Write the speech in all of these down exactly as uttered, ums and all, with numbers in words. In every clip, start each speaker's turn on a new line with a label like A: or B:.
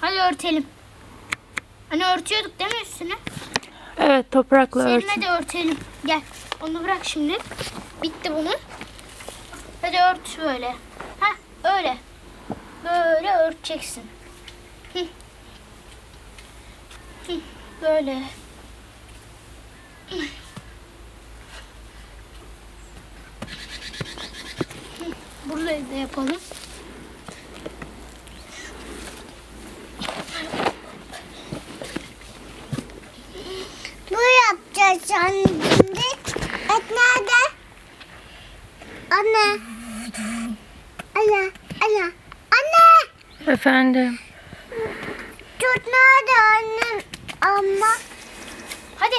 A: Hadi örtelim. Hani örtüyorduk değil mi üstünü?
B: Evet, toprakla örtün.
A: Seninle de örtelim. Gel. Onu bırak şimdi. Bitti bunun. Hadi ört böyle. Hah öyle. Böyle örteceksin. Hı. Hı. Böyle. Hı. Burayı da yapalım.
C: Bu yapacağız şimdi. Et nerede? Anne. Anne. Anne. Anne.
B: Efendim.
C: Tut nerede annem? Ama.
A: Hadi.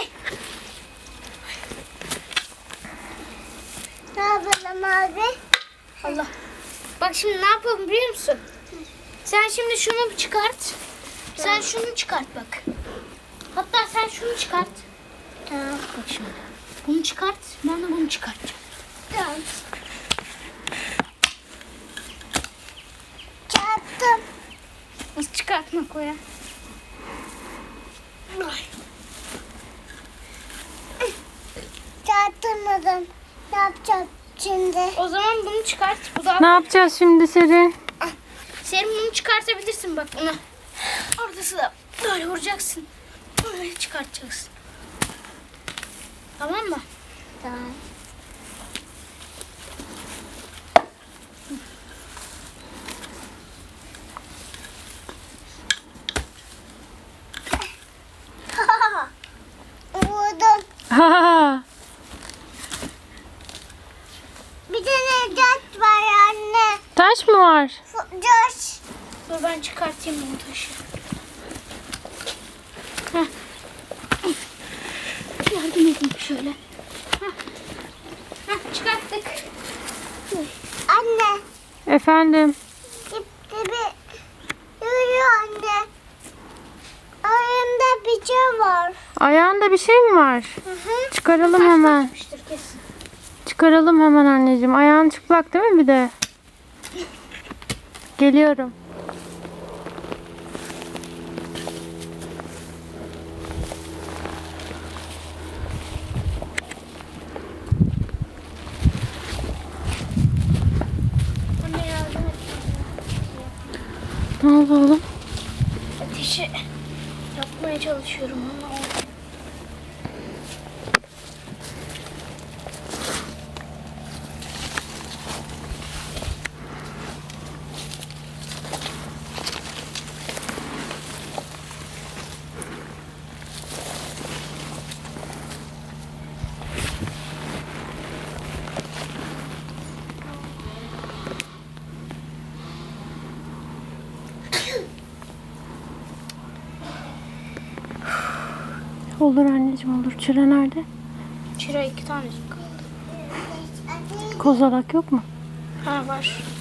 C: Ne yapalım abi?
A: Allah. Bak şimdi ne yapalım biliyor musun? Sen şimdi şunu çıkart. Sen şunu çıkart bak. Hatta sen şunu çıkart.
C: Tamam.
A: Bak şimdi. Bunu çıkart. Ben de bunu çıkartacağım.
C: Tamam. Çarptım.
A: Nasıl çıkartmak o ya?
C: Çarptırmadım. Ne yapacağım şimdi?
A: O zaman bunu çıkart. Bu da
B: Ne yapacağız şimdi Serin?
A: Senin bunu çıkartabilirsin bak bunu. Ortası da böyle vuracaksın. Böyle çıkartacaksın. Tamam mı?
C: Tamam. Vurdum.
B: Ha.
C: Bir tane taş var anne.
B: Taş mı var?
C: Taş.
A: Dur ben çıkartayım bunu taşı. Heh. Yardım edin şöyle. Heh. Heh, çıkarttık.
C: Anne.
B: Efendim.
C: Gitti bir. Yürüyor anne. Ayağımda bir şey var.
B: Ayağında bir şey mi var?
C: Hı hı.
B: Çıkaralım hemen.
A: Yapmıştır kesin.
B: Çıkaralım hemen anneciğim. Ayağın çıplak değil mi bir de? Geliyorum.
A: Anne yardım et.
B: Ne oldu oğlum?
A: Ateşi yapmaya çalışıyorum ama olmuyor.
B: Olur anneciğim olur. Çıra nerede?
A: Çıra iki tanesi kaldı.
B: Kozalak yok mu?
A: Ha var.